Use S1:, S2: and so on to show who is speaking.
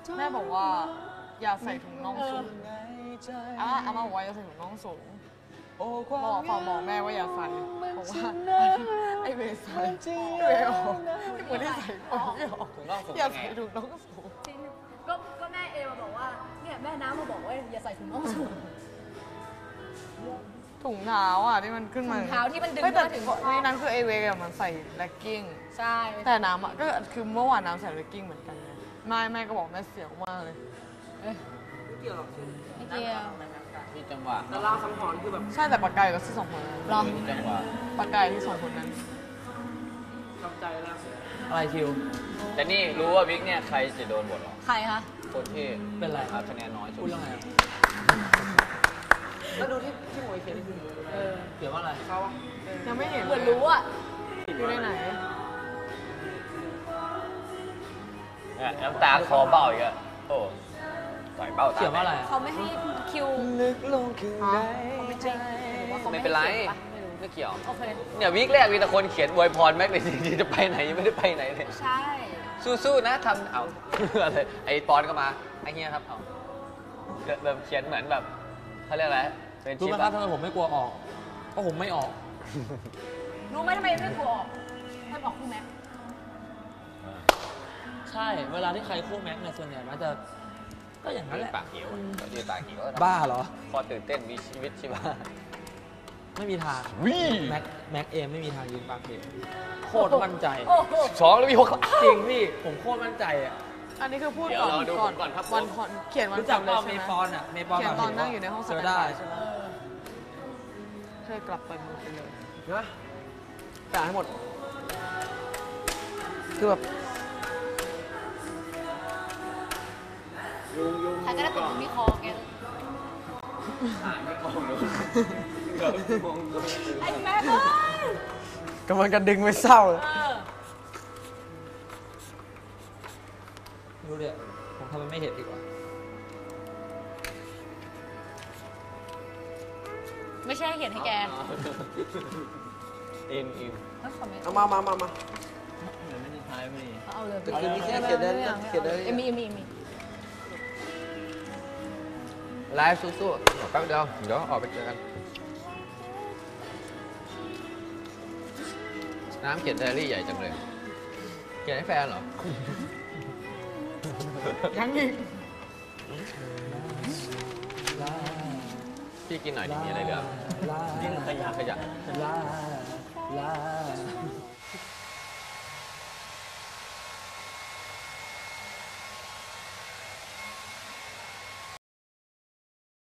S1: แม่บอกว่าอย่าใส่ถุงน่องสูงอามาบอกว่าอย่าใส่ถุงน่องสูงบอกแม่ว่าอย่าใส่เพราะว่าไอเวใส่เวออกเหมือนที่ใส่ไม่ออกอย่าใส่ถุงน่องสูง
S2: จริงก็แม่เอมาบอกว่าเนี่ยแม่น้ำมาบอกว่าอย่าใส่ถุงน่องสูง
S1: ถุงเท้าอ่ะที่มันขึ้นมา
S2: ถุงเท้าที่มันดึง
S1: แต่ถึงนี่นั่นคือไอเวกับมันใส่เลกกิ้ง
S2: ใช่
S1: แต่น้ำอ่ะก็คือเมื่อวานน้ำใส่เลกกิ้งเหมือนกันแม่ก็บอกแม่เสียวมากเลย
S3: ไม่เกี่ยวหรอก
S2: ไม่เกี่ยว
S4: มีจังหวะ
S3: แต่ล่าสังหรณ์คือแบบ
S1: ใช่แต่ปากกายก็ที่สองคนนั้น
S2: หรอ
S4: มีจังหวะ
S1: ปากกายที่สองคนนั้น
S3: ทำใจแล้ว
S4: อะไรคิวแต่นี่รู้ว่าวิกเนี่ยใครจะโดนบทหรอ
S2: ใครคะ
S4: โคตรเท่
S3: เป็นไร
S4: ครับคะแนนน้อยสุด
S3: พูดเรื่องอะไรแล้วดูที่หมวยเขียนเขียนว่าอะไรเขา
S1: ยังไม่เห็น
S2: เหมือนรู้อ่ะ
S1: อยู่ในไหน
S4: น้ำตาคอเบ้าอีกอะโอ้ต่อยเบ้าตา
S3: เขียนว่าอะไร
S2: เขาไม่ให้คิว
S1: นึกลงคือไหน
S4: ไม่เป็นไรไม่เกี่ยว
S2: โอเค
S4: เนี่ยวิกแรกมีแต่คนเขียนอวยพรแม็กเลยจริงๆจะไปไหนยังไม่ได้ไปไหนเลย
S2: ใช่
S4: สู้ๆนะทำเอาอะไรไอ้ปอนก็มาไอ้เฮียครับเอาแบบเขียนเหมือนแบบเขาเรียกอะไรเป็น
S3: รู้ไหมครับทำไมผมไม่กลัวออกเพราะผมไม่ออก
S2: รู้ไหมทำไมไม่กลัวออกให้บอกคู่แม็ก
S3: ใช่เวลาที่ใครคู่แม็กเนี่ยส่วนใหญ่มันจะก็อย่างนั้นแหละ
S4: ปากเขียวยืนปากเขียว
S3: บ้าเหรอ
S4: พอตื่นเต้นมีชีวิตชีวา
S3: ไม่มีทางแม็กเอมไม่มีทางยืนปากเขียวโคตรมั่นใจ
S4: 2แล้วมี6
S3: จริงพี่ผมโคตรมั่นใจอ่ะ
S1: อันนี้คือพูดก่อนวันคอนเขียนวัน
S3: รู้จักว่าเมย์ปอนอ่ะเมย์ปอน
S1: เขียนตอนนั่งอยู่ในห้องสมุด
S3: ได้
S1: ใช่ไหมเคยกลับไปหมดไปเลยนะจ่ายให้หมดคือแบบ
S2: ใครก็ได้ติดมีคอแกไอ้แม่เอ้ย
S1: กำลังจะดึงไปเศร้า
S3: รู้เลยผมทำมันไม่เห็นดีกว่า
S2: ไม่ใช่เห็นให้แก
S4: อิน
S1: เอามา
S4: เหมือนไม่ได้ท้ายไม่ดี
S2: เอาเลย
S1: คือมีแค่เขียนได้
S2: มี
S4: ไลฟ์สู้ๆแป๊บเดียวเดี๋ยวออกไปเจอกันน้ำเขียนไดอารี่ใหญ่จังเลยเขียนให้แฟนเหรอ
S1: ยังอีก
S4: พี่กินหน่อยดิมีอะไรเหลือกินขยะ